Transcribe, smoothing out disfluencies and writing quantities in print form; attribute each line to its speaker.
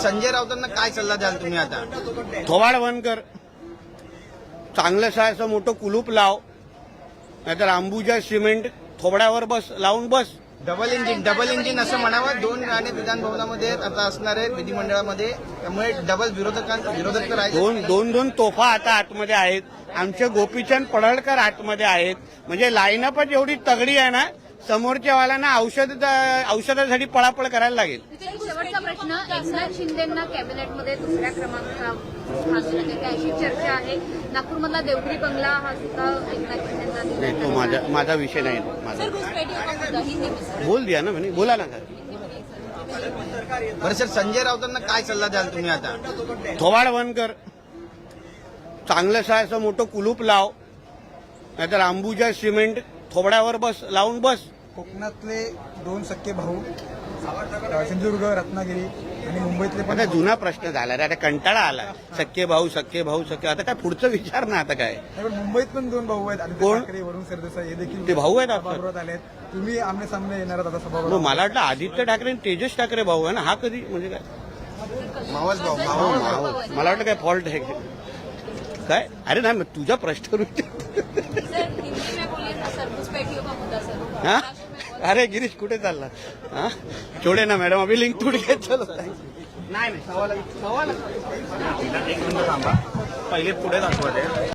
Speaker 1: संजय राऊतांना काय सल्ला द्याल तुम्ही आता?
Speaker 2: थोबाड बंद कर, चांगलंसं असं मोठं कुलूप लाव, नाहीतर अंबुजा सिमेंट थोबड्यावर बस लावून बस.
Speaker 1: डबल इंजिन असं म्हणावं. 2 गाणे विधानभवनामध्ये आता असणार आहेत विधिमंडळामध्ये, त्यामुळे डबल विरोधक तर आहेत.
Speaker 2: दोन तोफा आता आतमध्ये आहेत. आमचे गोपीचंद पडळकर आतमध्ये आहेत. म्हणजे लाईनअपच एवढी तगडी आहे ना, समोरच्या वाल्यांना औषधासाठी पळापळ करायला लागेल.
Speaker 3: शेवटचा प्रश्न, एकनाथ शिंदेंना कॅबिनेटमध्ये दुसऱ्या क्रमांकावर अशी चर्चा आहे. नागपूरमधला देवगिरी बंगला हा सुद्धा एकनाथ शिंदेंना
Speaker 2: नाही, तो माझा विषय नाही. माझा बोल दिया ना म्हणे, बोला ना सर.
Speaker 1: बरं सर, संजय राऊतांना काय सल्ला द्याल तुम्ही आता?
Speaker 2: थोबाड बंद कर, चांगलंसं असं मोठं कुलूप लाव, नाहीतर अंबुजा सिमेंट थोबड्यावर बस लावून बस.
Speaker 4: कोकणातले 2 सख्खे भाऊ, सिंधुदुर्ग, रत्नागिरी आणि मुंबईतले पण
Speaker 2: आता जुना प्रश्न झाला रे, आता कंटाळा आला. सख्खे भाऊ आता काय पुढचं विचार ना आता काय.
Speaker 4: नाही, पण मुंबईत पण 2 भाऊ आहेत, आदित्य
Speaker 2: कोण?
Speaker 4: ठाकरे, वरुण सरदेसाई, हे देखील
Speaker 2: ते भाऊ आहेत आपले?
Speaker 4: सभागृहात आले आहेत. तुम्ही आमने सामने येणार आहात आता
Speaker 2: मग
Speaker 4: सभागृहात.
Speaker 2: मला वाटलं आदित्य ठाकरे आणि तेजस ठाकरे भाऊ आहे ना, हा कधी म्हणजे काय
Speaker 1: मावस भाऊ.
Speaker 2: मला वाटलं काय फॉल्ट आहे काय. अरे नाही, मग तुझा प्रश्न हा. अरे गिरीश कुठे चालला? हा, छोडे ना मॅडम, अभी लिंक तुड घेत चलो. नाही सवाल एक मिनिट थांबा, पहिले पुढे दाखवा ते.